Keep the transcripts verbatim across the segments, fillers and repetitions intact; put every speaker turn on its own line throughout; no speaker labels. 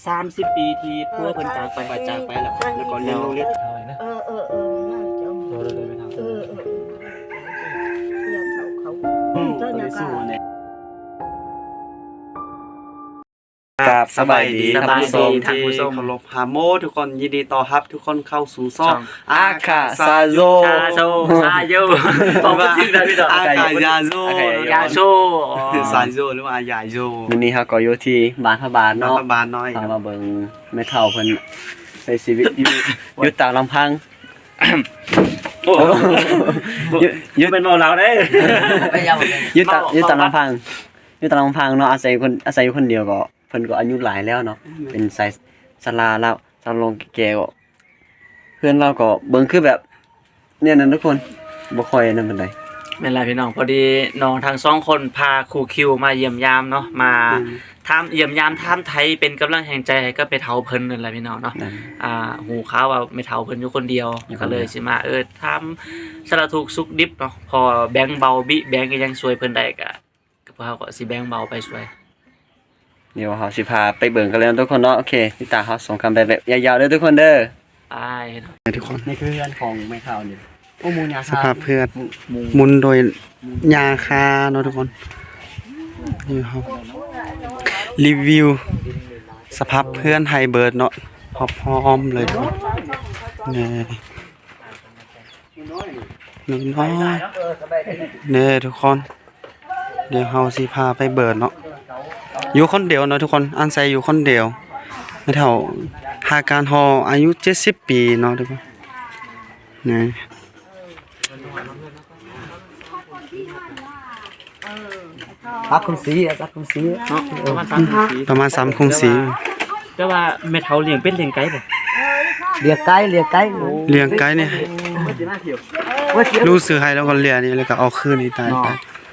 สามสิบปีที่พัวเพิ่นจากไปจากไปแล้วแล้วก็เลี้ยงลูกเลี้ยง
เออเออเออน่าจะโตเลยไม่ทำเออเอออย่าเขาเขาเจ้าเนี่ยก็
กับสบายดี
สบายดีท่านผู้ชม
เคารพฮาโมทุกคนยินดีต้อนรับทุกคนเข้าสู่ซ่องอาคาซาโซ
ชาโซซาโยบอกว่าชื่อได้พี่ดอก
อาคายาโซ
ยาโซ
ซาโซหรือว่ายาโซ
วันนี้เฮาก็อยู่ที่บ้านพระบาท
น้อ
เนาะ
งบานน้อย
พามาเบิ่งแม่เฒ่าเพิ่นใช้ชีวิตอยู่ อยู่ตามลำพัง
โอ้ยยืนเป็นเมาเหล้าได้
อยู่ตามอยู่ตามลำพังอยู่ตามลำพังเนาะอาศัยคนอาศัยอยู่คนเดียวก็เพิ่นก็อายุหลายแล้วเนาะเป็นสายศาลาแล้วศาลงแก่ๆก็เพื่อนเราก็เบิ่งคือแบบเนี่ยนั่นทุกคนบ่ค่อยนั่นปานใด
เป็นไรพี่น้องพอดีน้องทั้งสองคนพาครูคิวมาเยี่ยมยามเนาะมาทำเยี่ยมยามทำไทยเป็นกำลังแห่งใจให้ก็ไปเฒ่าเพิ่นนั่นแหละพี่น้องเนาะ
นั่น
อ่าหูข่าวว่าไม่เฒ่าเพิ่นอยู่คนเดียว
อยู่คนเดียว
ก็เลยสิมาเออทำสารทุกข์สุขดิบเนาะพอแบงค์เบาบิแบงค์ก็ยังช่วยเพิ่นได้ก็ก็พวกเขาก็สิแบงค์เบาไปช่วย
เดี๋ยวเฮาสิพาไปเบิ่งกันเลยทุกคนเนาะโอเคพี่ตาเฮาส่งคำไปแบบยาวๆเด้อทุกคนเด้อ
ไปเนาะ
ทุกคน
นี่คือเรือนของแม่เฒ่านี่โอ้หมูยา
สภาพเพื่อน
หมู
มุนโดยยาคาเนาะทุกคนนี่ครับรีวิวสภาพเพื่อนไฮเบิร์ดเนาะพร้อมๆเลยทุกคนนี่น้อยๆนี่ทุกคน เดี๋ยวเฮาสิพาไปเบิร์ดเนาะอยู่คนเดียวเนาะทุกคนอันไซอยู่คนเดียวไม่เท่าหาการฮออายุเจ็ดสิบปีเนาะทุกคนนี่
ปักคุณสีอ่ะปักคุณสี
เนาะประมาณสามสิบปี
ประมาณสามคงสี
แต่ว่าแม่เฒ่าเลี้ยงเป็ดเลี้ยงไก่บ่
เรียกไก่เรียกไก่
เลี้ยงไก่เนี่ยรู้สึกให้แล้วก็เลี้ยงนี่แล้วก็เอาคืนนี่ตายไป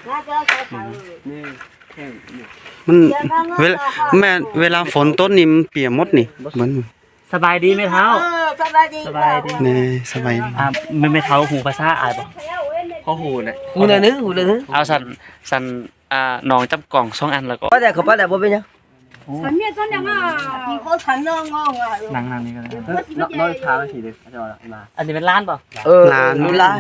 มันเวลาแม่เวลาฝนต้นนี่มันเปียกหมดนี่เหมือน
สบายดีแม่เฒ่า
เออสบายดี
สบายดี
นี่สบายดี
อ่าแม่แม่เฒ่าหูภาษาอายบ่
เขาหูน่ะหูน่ะนึหูน่ะนึ
เอาสั่นสั่นอ่าน้องจับกล่องสองอันแล้วก็
ป้าแต่เขาป้าแต่บ่เป็นหยัง
ฉันเนี่ยฉันยังอ่ะที่เขาฉันยังงงอ่ะ
นั่งนั่งนี่ก็ได้
น้อยพาไปทีเดียวจะเอามา
อันนี้เป็นร้านเปล่า
เออรู้ละ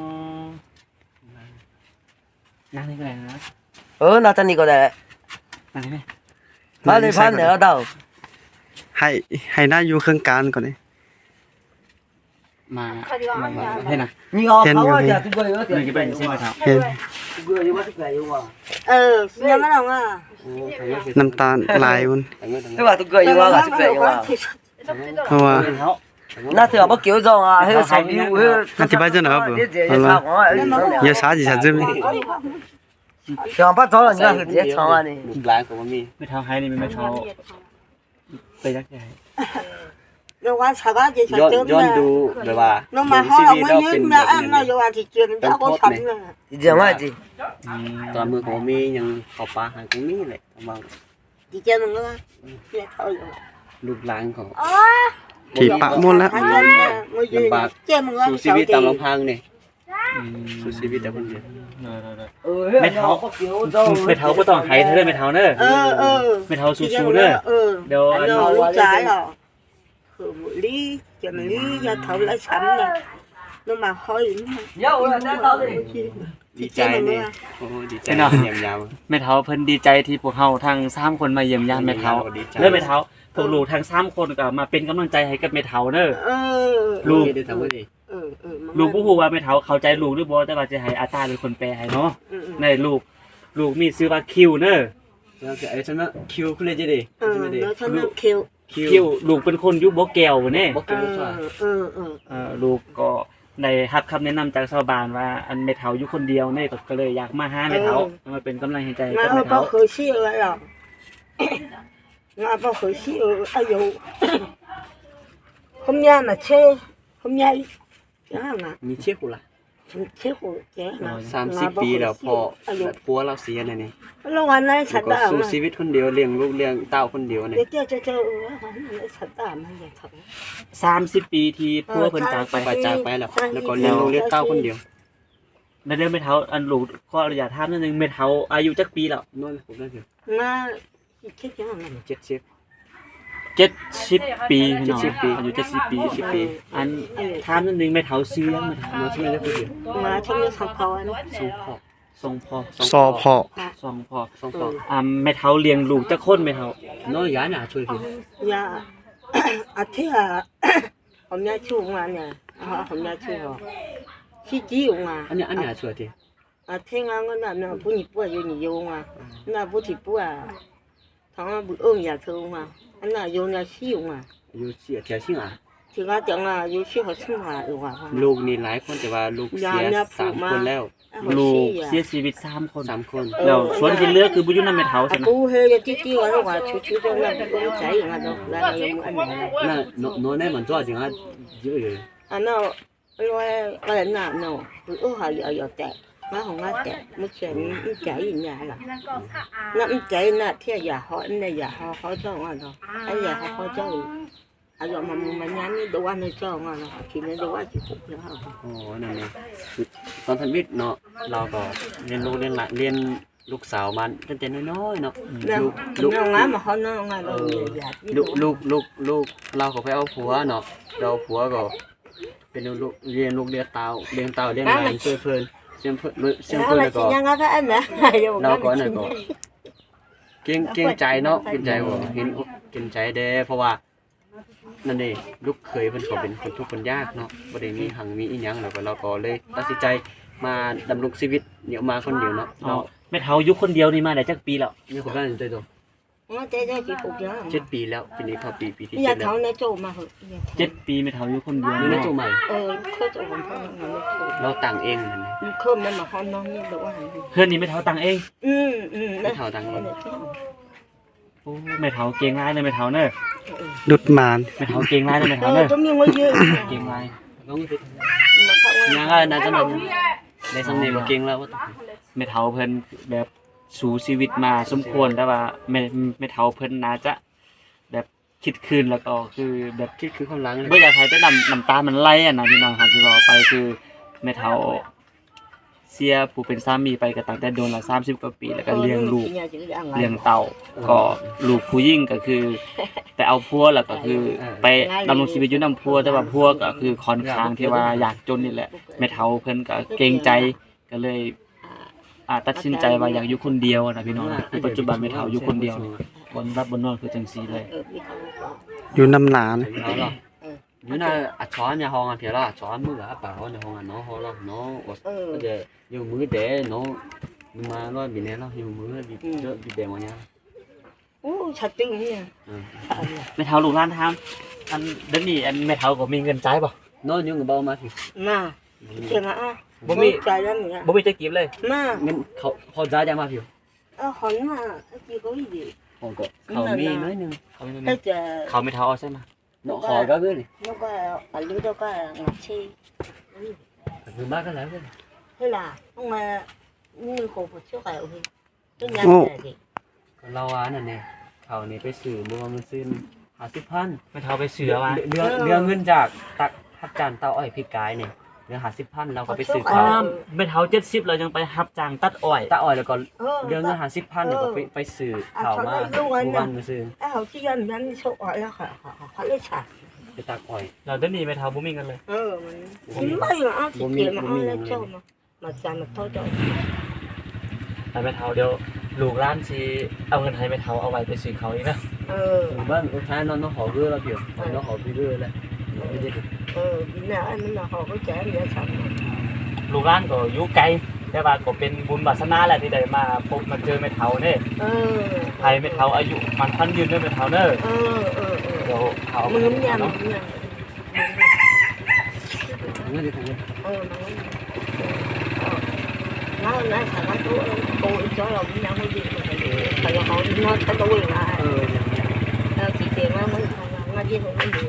นั่งนี่ก็ได้นะ
เออน่าจะนี่ก็ได้
นั่งนี่ไหม
มาเลยพันเดี๋ยวเดา
ให้ให้หน้าอยู่เครื่องกลางก่อนนี่
มาให้นะ
นี่เอาเขาว่าจะทุกคนอยู่
นี่ก็เป็นใช่ไหมครับ
เห็น
ทุกคนอยู่ว่าทุกคนอยู่ว่า
เออยังไม่ลงอ่ะ
น้ำตาลลายมัน
ทุกคนทุกคนอยู่ว่าทุกคนอยู่ว่า
เพราะว่า
น่าถือว่าเกี่ยวจองอ่ะให้สองอยู่ให้
อธิบายจะหน่อยครับเอาละอย่าช้าจิช้าจิ
เดี๋ยวป้าจ้อนี่ก็คือเจ๊ช่องอ่ะนี่ร้านของมันมี
ไม่เท้าให้นี่ไม่เท้าไปยักษ์ใหญ่
เราว่าสบายดีฉัน
ย้อน
เจอ
ย้อน
เนี่ย
ดูแบบว่า
น้องมาห้องไม่ยืนนะอันนั้นเราว่าที่เจอแล้วก็ฉันน่ะ
จริงว่าจริงตอนมือของมียังขอปลาหางตรงนี้แหละบาง
ที่เจอมึงว่าเนี่ยเขาอยู่
ลูกหลานของ
อ๋อ
ถีปะหมดแล้ว
ลำบากเจอมึงว่า
สู่ชีวิตตามลำพังนี่สู่ชีวิตแต่คนเดียว
ไม่เท้าไม่เท้าก็ต้องไห้เธอเลยไม่เท้าเนอะ
เออเออ
ไม่เท้าสู้ๆเนอะ
เออ
เดี๋ยว
เราลูกชายเหรอคือลีจะมันลีจะเท่าไรฉันเนี่ยน้องมาห้อยนี่
เยอะเลยนะตอนนี้
ดีใจเนี่ยโอ้ดีใจเยี่ยมยาม
แม่เท้าเพิ่นดีใจที่พวกเฮาทั้งสามคนมาเยี่ยมญาติแม่เท้าเริ่มแม่เท้าพวกลูกทั้งสามคนก็มาเป็นกำลังใจให้กับแม่เท้าเนอะ
เออ
ลูก
ได้ทำว่าดี
เออเออ
ลูกบ่ฮู้ว่าแม่เท้าเข้าใจลูกหรือบ่แต่ว่าจะให้อาตาเป็นคนแปลให้เนาะในลูกลูกมีชื่อว่าคิวเนอะ
แล้วไอ้ฉันน่ะคิวคุณเลยจะดี
เออแล้วฉันนึกคิว
คิวลูกเป็นคนอยู่บ่แก้วบ่แน่
บอก
เอ
กันว่า
อเออเออ
เอ่อลูกก็ได้รับคำแนะนำจากชาวบ้านว่าอันแม่เฒ่าอยู่คนเดียวเนี่ยก็เลยอยากมาหาแม่เฒ่ามาเป็นกำลังใจให้
งา
กับ
น
แม่
พ่อ
เฒ่า
เคยชี้อะไรหรองานพ่อเคยชี้เอออายุผมยาน่ะเช่ผมยาจ้าน่ะ
มีเชี่ยกูล่ะ
ฉันเช่หัวแกน่ะ
สามสิบปีแล้วพอผัวเราเสียเนี่ยนี่
แล้ววันนั้นฉัน
ก็
ด่า
สู้
มัน
ชีวิตคนเดียวเลี้ยงลูกเลี้ยงเต้าคนเดียวเนี่ย
เดี๋ยวเจ้าเจ้าเจ้าเออวันนั้นฉันด่ามันอย่างเขา
สามสิบปีที่พัวเพิ่นจากไป
ไปจากไปแล้วแล้วก็เลี้ยงลูกเลี้ยงเต้าคนเดียว
ในเรื่องแม่เฒ่าอันลูกขออนุญาตถามนิดนึงแม่เฒ่าอายุจักปีแล้ว
นู่นผมนั่นอยู่
งานคิดยังไง
เจ็ดสิบ
โเจ็ดสิบปีพี่น้อง
เจ็ดสิบปี
อายุเจ็ดสิบปี
สิบปี
อันถามนิดนึงแม่เฒ่าซื้อยังมาถาม
เนาะชื่อแล้วคือเดียว
มาช่วยสังเขาเนาะ
สองพ่อ
ทรงพ่อ
ซอพอ
สองพ่อ
สองพ่อ
อ่าแม่เฒ่าเลี้ยงลูกจักคนแม่เฒ่า
น้อยยาหนาช่วยพี่
ยาอาทิตย์ ผมยาชูงานเนี่ยผมยาชูที่จีงอ่ะ
อันนี้อันหนาช่วยที
อาทิตย์งานก็น่ะน่ะผู้หญิงป่วยอยู่นี่โยงอ่ะน่ะผู้ที่ป่วยทั้งบุเอิ้งอยากเธออ่ะอันน่ะโยงน่ะชิวอ่ะ
อยู่เสียเทียชิงอ่ะ
ถึงว่าจังอ่ะอยู่ชิวเขาซึ่งอ่ะอยู่อ่ะ
ลูกนี่หลายคนแต่ว่าลูกเสียสามคนแล้ว
ลูกเสียชีวิตสามคน
สามคน
แล้วส่วนที่เหลือคือบ่อยู่นำแม่เฒ่า
อ่ะ
ใช่ไหม
กูเฮยจี้จี้ว่าว่าชูๆจังน่ะกูใจอ่ะเนาะแล้วยังอันนี้
น่ะน้อยแน่เหมือนจ้อจริงอ่ะเยอะเลย
อันนั้นร้อยก็เลยน่ะเนาะบุเอิ้งหาอยู่อยู่แต่มาของมาแต่ไม่ใช่ไม่ใจอย่างเงี้ยล่ะน้ำใจน่ะเที่ยอย่าเขาอันเนี่ยอย่าเขาเขาจ้องอ่ะเนาะไอ้อย่าเขาเขาจ้องอายุมันมันยันนี่ดูว่าในจ้องอ่ะเนาะทีนี้ดูว่าจะผูกแล้ว
โอ้นั่นนี่ตอนทันวิทย์เนาะเราก็เรียนลูกเรียนหลานเรียนลูกสาวมันตั้งแต่น้อยๆเนาะ
แล้ว
ลูกลูก
น้องงามมาเขาน้องงามเราอยาก
ลูกลูกลูกลูกเราก็ไปเอาผัวเนาะเราผัวก็เป็นลูกเรียนลูกเรียนเตาเรียนเตาเรียนหลานเพื่อเพื่อนเสียงเพื่อนเสียง
แล้ว
เพื่อน
มา
แล้ว
ชิ
ก็
ยังไงก็อันนะ
เราก็นั่นก็เก่งเก่งใจเนาะเก่งใจว่าเห็นอกเก่งใจเด้เพราะว่านั่นเองลูกเคยเพิ่นก็เป็นคนทุกข์คนยากเนาะบ่ได้มีหังมีอีหยังแล้วก็เราก็เลยตัดสินใจมาดำรงชีวิตเนี่ยมาคนเดียวเนาะ
อ๋อ
เรา
แม่เฒ่าอยู่คนเดียวนี่มาได้จักปีแล้ว
มีคนบ้านใจตัว
ว่าเจ๊จะจีบผูกยัง
เจ็ดปีแล้วปีนี้เข้าปีปีที่
อยา
เจ็
ก
ดแล้
เขา
ว
ในโจมาเหอะ
เจ็ดปีแม่เฒ่าอยู่คนเดียว
นี่
เนาะ
นะจูใหม่
เออเขาจะผมพ่อมันไม่ถูก
เราต่างเองนั่นนะ
เพิ่มมันมาห้องน้องนี่แบบว่า
เพื่อนนี่แม่เฒ่าตังเอง
อืมอืม
ไม่เท่าต่างเอง
โอ้แม่เฒ่าเก่งหลายเลยแม่เฒ่าเด้อ
ดุดหมาน
แม่เฒ่าเก่งหลายเลยแม่
เอ
เฒ่า
อ
เด้อ
ต้องมีว่าเยอะ
เก่งหลาย
ต้องไป
มาเข้าว่า
ยังไงนะจังนั้นในสำเนียงบ่เก่งแล้วว่า
แม่เฒ่าเพิ่นแบบสู้ชีวิตมาสมควรแต่ว่าแม่แม่เฒ่าเพิ่นน่าจะแบบคิดคืนแล้วก็คือแบบ
คิดคือความหลังเลย
บ่อยากให้แต่น้ำน้ำตามันไหลอ่ะนะพี่น้องครับที่บอกไปคือแม่เฒ่าเสียผู้เป็นสามีไปก็ตั้งแต่โดนละสามสิบกว่าปีแล้วก็เลี้ยงลูกเลี้ยงเต่าก็ลูกผู้หญิงก็คือไปเอาพัวแล้วก็คือไปดำรงชีวิตอยู่นำพัวแต่ว่าพัวก็คือค่อนข้างที่ว่าอยากจนนี่แหละแม่เฒ่าเพิ่นก็เกรงใจก็เลยอ่าตัดสินใจว่าอยากอยู่คนเดียวนะพี่น้องนะคือปัจจุบันแม่เฒ่าอยู่คนเดียวบนรับบนนอนคือจังซี่เลย
อยู่นำหลาน
đó là như là à chó nhà hòn thì là chó mưa à bảo nhà hòn nó ho là nó bây giờ nhiều mưa để nó nhưng mà nó bị này nó nhiều mưa bị đỡ bị đè vào nhà
โอ้ชัดจริงเนี่ย
แม่เฒ่าลูกหลานถามอันเดี๋ยวนี้อันแม่เฒ่าก็มีเงินจ่ายบ่
nó như người bao mà thì
มาเจ้ามาอ่ะใจแล้วเนี่ย
บ่มีจะกินเลย
มา
nên họ họ giá ra mà thì
เออขอนมาจีก็อีดี
họ có họ mi nói nhưng
เขาไม่
ให้เจอ
เขาไม่เฒ่าเอาใช่ไหม
nó họ có cái này
แล้วก็อายุแล้วก็งัดชี
người ba cái lá cái
ให้ล่ะต้องมานี่โคบช่วยเอาพี่ต้นยางแต่ดิ
เราอ่ะนั่นเนี่ยเขานี่ไปสื่อมือมันซื้อหาสิบพัน
ไม่เฒ่าไปเสือมา
เรือเรือเงินจากตักทับจานเตาอ้อยพี่กายเนี่ยเรือหาสิบพันเราก็ไปซื้อ
อ้
เขา
ามไม่เฒ่าเจ็ดสิบเรายังไปรับจ้างตัดอ้อย
ตาอ้อยแล้วก็เรือเงินหาสิบพันแล้วก็ไปไปซื้อเขามาทุกวันมาซื้อ
ไอ้เขาที่ยันยันโชคอ่ะแล้วค่ะเขาเลยฉาด
ไปตักอ้อย
เราเดี๋ยวนี้ไม่เฒ่าบ่มีเงินเลย
เออมันไม่มาเอาที่เกียมาเอาแล้วเจ้ามามาจานมาเท่าเจ้า
แต่ไม่เฒ่าเดี๋ยวลูกร้านสิเอาเงินให้ไม่เฒ่าเอาไว้ไปซื้อเขาอีกนะ
เออ
บ้านท้ายnó nó họ rưa là kiểu nó họ bị rưa lại nó bị đi
เออเนี่ยอันนั้นเขาก็แจ้งเนี่ยฉัน
ลูกร้านก็อยู่ไกลแต่ว่าก็เป็นบุญวาสนาแหละที่ได้มาพบมาเจอไม่เฒ่าเด้
เออ
ให้ไม่เฒ่าอายุมันพันยืนด้วยไม่เฒ่าเด้อ
เออเออเออ
เดี๋ยวเฒ่า
มึง
เนา
เนี่ยมึ
ะ
งเนี่ย
thằng ấy đi thằng ấy
เออมันแล้วแล้วสารตัวโตอีกจ้อยเราไม่ยังไม่ดีเลยแต่เราเขานอนตะลุยมา
ờ
แล้วที่เจมามันทำงานงานที่ผมไม่ดี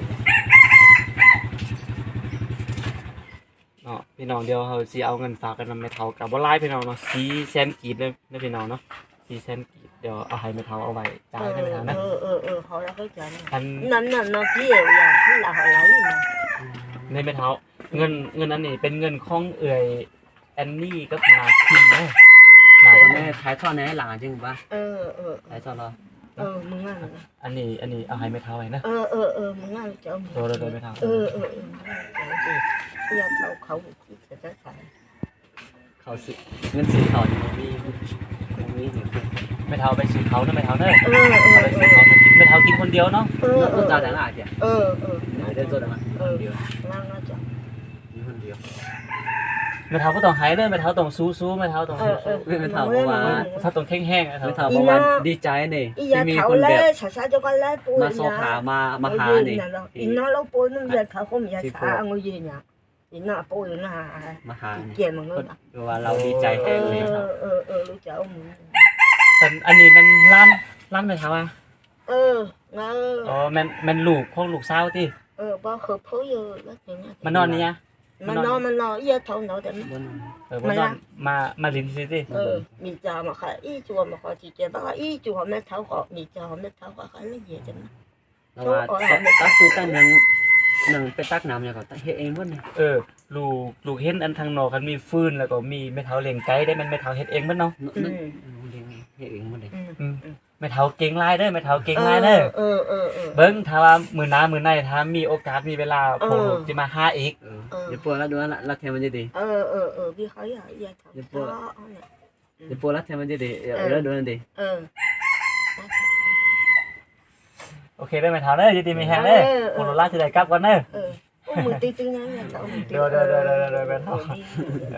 เนาะพี่น้องเดี๋ยวเขาสิเอาเงินฝากกันนำไม่เฒ่ากับบ่หลายพี่น้องเนาะสี่แสนกีบเลยนะพี่น้องเนาะสี่แสนกีบเดี๋ยวเอาให้ไม่เฒ่าเอาไว้จ่ายให้ไม่เฒ่านะ
เออเออเออเขาแล้วเขาจ่าย
อัน
นั่นน่ะเนาะพี่อย่างที่เราอะไรมา
ในไม่เฒ่าเงินเงินนั้นนี่เป็นเงินของเอื่อยแอนนี่กับนาคินเนาะนา
còn này thái thoa này là chứ ba
เออเออ
thái thoa lo
เออมึงอ่ะ
อันนี้อันนี้เอาให้แม่เฒ่าไว้นะ
เออเออเออมึงอ่ะเจ้า
โดยโดยแม่เฒ่า
เออเออเอออย่าเขาเขาที่จะได้ขาย
เขาสิเงินสิเขานี่บ่มีบ่มีนี่
แม่เฒ่าไปซื้อเขาเนาะแม่เฒ่าเด้อ
เออเออ
เอาไปซื้อเขามากินแม่เฒ่ากินคนเดียวเนาะ
เออเอ
ร
อ
ถจอดหน้าจ้ะ
เออเออ
เดินจอดหน้า
เออ
เดียว
นั่งนะจ๊ะ
มีคนเดียว
แม่เฒ่าบ่ต้องหายเด้อแม่เฒ่าต้องสู้ๆแม่เฒ่าต้อง
เอ
สู้
อเออ
ไม่ถามว่า
ๆถ้าต้องแข็งๆแม่เฒ่า
ไม่ถามว่าดีใจนี่
อี
ที่
ยา
มี
เขา
คน
แล้
แบบ
วช้าช้าจะก็แล้วปู
มาโซขามามาหานี่
อีน้าเราปูนั่นยาเขาเขามียาช้าเอาเงินยืนเนี่ยอีน้าปูอยู่หน้า
มาหานี่
เกี่ยมันเงิน
คือว่าเราดีใจ
เอ
แฮง
อ
เลยครับ
เออเออรู้จักมึง
แต่อันนี้มันล้านล้านแม่เฒ่าอ่ะ
เออเงา
อ๋อแม่นแม่นลูกของลูกสาวติ
เออบ่เคยพูดเยอะแล้วอย่างเงี้ย
มานอนนี่ยะ
มันนอนมันนอนอีเท่าเนาแต่
บ่น
เออบ่นอนมามาลิ้นซิติ
เออมีจามาค่ะอีจัวมาขอที่เจ้าบ้าอีจัวแม่เท้าขอมีจาแม่เท้าขอค่ะละเอียดจัง
แล้วว่าตักคือตั้งหนังหนังไปตักน้ำอย่างก็เฮ็ดเองบ่นี่
เออลูกลูกเห็นอันทางนอกกันมีฟืนแล้วก็มีแม่เฒ่าเลี้ยงไก่ได้มันแม่เฒ่าเฮ็ดเองเบิดเนาะ
อืม
เฮ็ดเองบ่ได้
อืมแม่เฒ่าเก่งหลายเด้อแม่เฒ่าเก่งหลายเด้อ
เออเออเออ
เบิ่งถ้าว่ามื้อหน้ามื้อในถ้ามีโอกาสมีเวลา
เออ
ผมสิมาหาอีก
เออเดี๋ยวปวดแล้วดูว่ารักแท้มันจะดี
เออเออเออพี่เขาอยากอยากทำ
เดี๋ยวปวดเดี๋ยวปวดรักแท้มันจะดีเดี๋ยวแล้วดูนั่นดี
เออ
โอเคเด้อแม่เฒ่าเด้อยินดีมีแฮงเด้อโคโรล่าสิได้กลับก่อนเด้อ
เออโอ้มือตีตึงนะอยากเอามือตี
เดี๋ยวเดี๋ยวเดี๋ยวเดี๋ยวเดี๋ยวแม่เฒ่าเอ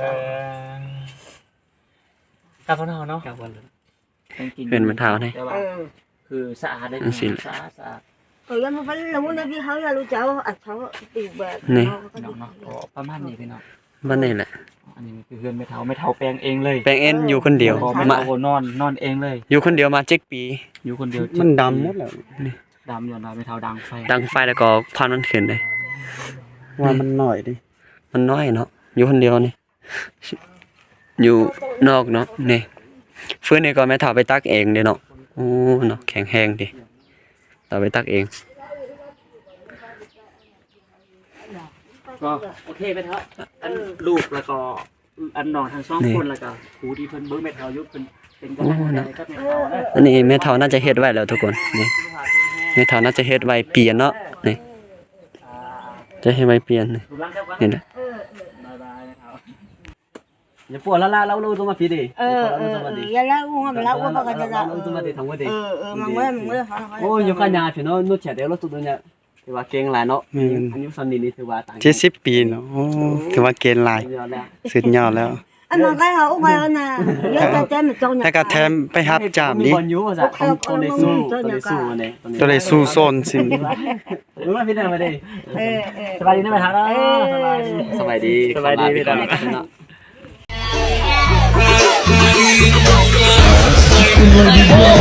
อกลับก่อนเนาะเนาะ
กลับวัน
เห็นมันเท้านี่
แต่ว่า
เออ
คือสะอาดได้
อันสิ
สะอาดสะอาด
เออแล้วมันเป็นรู้นะพี่เขาอยากรู้จักอัดเขาตีแบบ
เนาะเนาะก็ประมาณนี้พี่น้อง
บ้านนี่แหละ
อันนี้คือเฮือนแม่เฒ่าแม่เฒ่าแปลงเองเลย
แปลงเอ็นอยู่คนเดียว
พอแม่
มา
เฒ่าก็นอนนอนเองเลย
อยู่คนเดียวมาเจ็ดปี
อยู่คนเดียว
มันดำหมดแล้ว
ดำอยู่นะแม่เฒ่าดังไฟ
ดังไฟแล้วก็ควันมันขึ้นเลยว่ามันน้อยดิมันน้อยเนาะอยู่คนเดียวนี่อยู่นอกเนาะนี่ฟื้นนี่ก็แม่ถาไปตักเองเด้เนาะโอ้เนาะแข็งแรงดิเราไปตักเอง
ก็โอเคแม่เฒ่าอันลูกแล้วก็อันน้องทั้งสองคนแล้วก็ครูที่เพิ่นเบิ่งแม่เฒ่าอยู่เพิ่นเป็นกำลังใจกับแม่เฒ่าเด้อ
อันนี้แม่เฒ่าน่าจะเฮ็ดไว้แล้วทุกคนนี่แม่เฒ่าน่าจะเฮ็ดไว้เปลี่ยนเนาะนี่จะให้ไว้เปลี่ยนนี่
ดูหลังเจ้าก่อน
นี่นะ
บ๊ายบายแม่เฒ่า
อย่าปวดแล้วล่ะเราเราต้องมาพี่ดิ
เออเอออย่าเล่าว่ามันเล่าว่าปกติจะ
เราต้องมาดิทำว่าดิ
เออเออมันเมื่อมันเมื่อ
โอ้ยกันยาพี่น้องนู่นเฉดเดี๋ยวเราตุดเนี่ยถือว่าเก่งหลายเนาะอันนี้ซันนี่นี่ถือว่าต่าง
เจ็ดสิบปีเนาะโอ้ถือว่าเกณฑ์หลาย
เยอะแล้ว
สุดยอดแล้ว
อันนั้นก็เขาไปแล้วนะเยอะแต่แต่มันจง
แต่ก็แถมไปรับจาม
มี
ดิ
บอลยูว่าจะต้องได้สู้ต้องได้สู้เนี่ย
ตัวได้สู้โซนสิ
รู้ไหมพี่เดินมาดิ
เออเออ
สบายดีนะแม่เฒ่าเนาะสบายดี
สบายดี
สบายดีพี่เดิน
เนาะ